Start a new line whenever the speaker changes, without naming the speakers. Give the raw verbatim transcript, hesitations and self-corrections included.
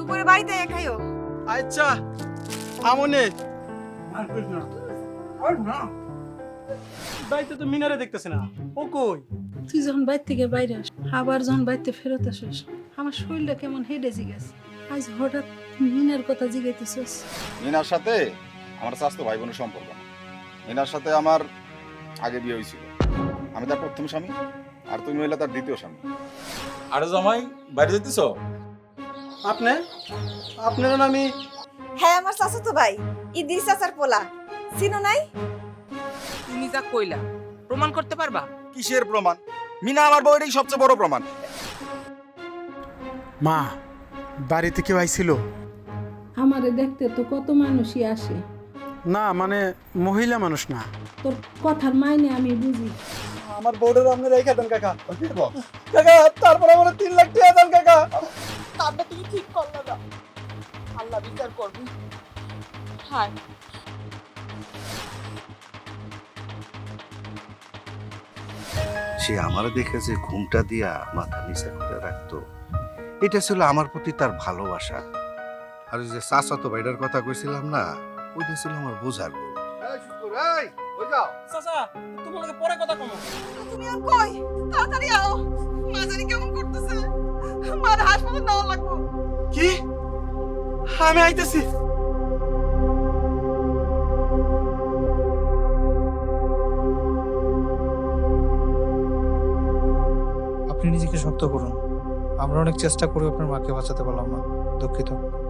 পরে বাড়িতে খাইও।
আচ্ছা আমনে বাড়িতে তো মিনারে দেখতেছে না, ও কই?
তুই যখন বাইর থেকে বাইরে আস, আবার যখন বাড়িতে ফেরত আসিস, আমার শরীরটা কেমন হেডে জিগেছে। আজ হঠাৎ মিনার কথা জিগাইতেছিস।
মিনার সাথে আমার স্বাস্থ্য ভাই বোনের সম্পর্ক না। মিনার সাথে আমার আগে বিয়ে হয়েছিল, আমি তার প্রথম স্বামী আর তুমি হইলে তার দ্বিতীয় স্বামী।
আরে জামাই বাইরে যেতেছ?
আপনি আপনার নামি?
হ্যাঁ আমার চাচাতো ভাই, ইদ্রিস চাচার পোলা, চিনো নাই?
তুমি যা কইলা প্রমাণ করতে পারবা?
কিসের প্রমাণ? মিনা আমার বউয়েরই সবচেয়ে বড় প্রমাণ।
মা, বাড়িতে কেউ আইছিল?
আমারে দেখতে তো কত মানুষই আসে,
না মানে মহিলা মানুষ না।
তোর কথার মাইনে আমি বুঝি।
আমার বোর্ডের আপনি রেখে দেন কাকা। কাকা তারপর আমার তিন লাখ টাকা দেন কাকা।
কামটা তুমি ঠিক করলা না, আল্লাহ বিচার করবে। হায়
সে আমার দেখে যে ঘুমটা দিয়া মাথা নিচে করে রাখতো, এটা ছিল আমার প্রতি তার ভালোবাসা। আর ওই যে চাচাতো ভাইটার কথা কইছিলাম না, ওইটা ছিল আমার বোঝার গো।
চাচা তোমাকে পরে কথা কমো।
তুমি আর কই, তাড়াতাড়ি আও, মা জানি কেমন করতেছে, মার হাসপাতাল নেওয়া লাগবো।
কি? আমি আইতেছি।
আপনি নিজেকে শক্ত করুন। আমরা অনেক চেষ্টা করে আপনার মাকে বাঁচাতে পারলাম না, দুঃখিত।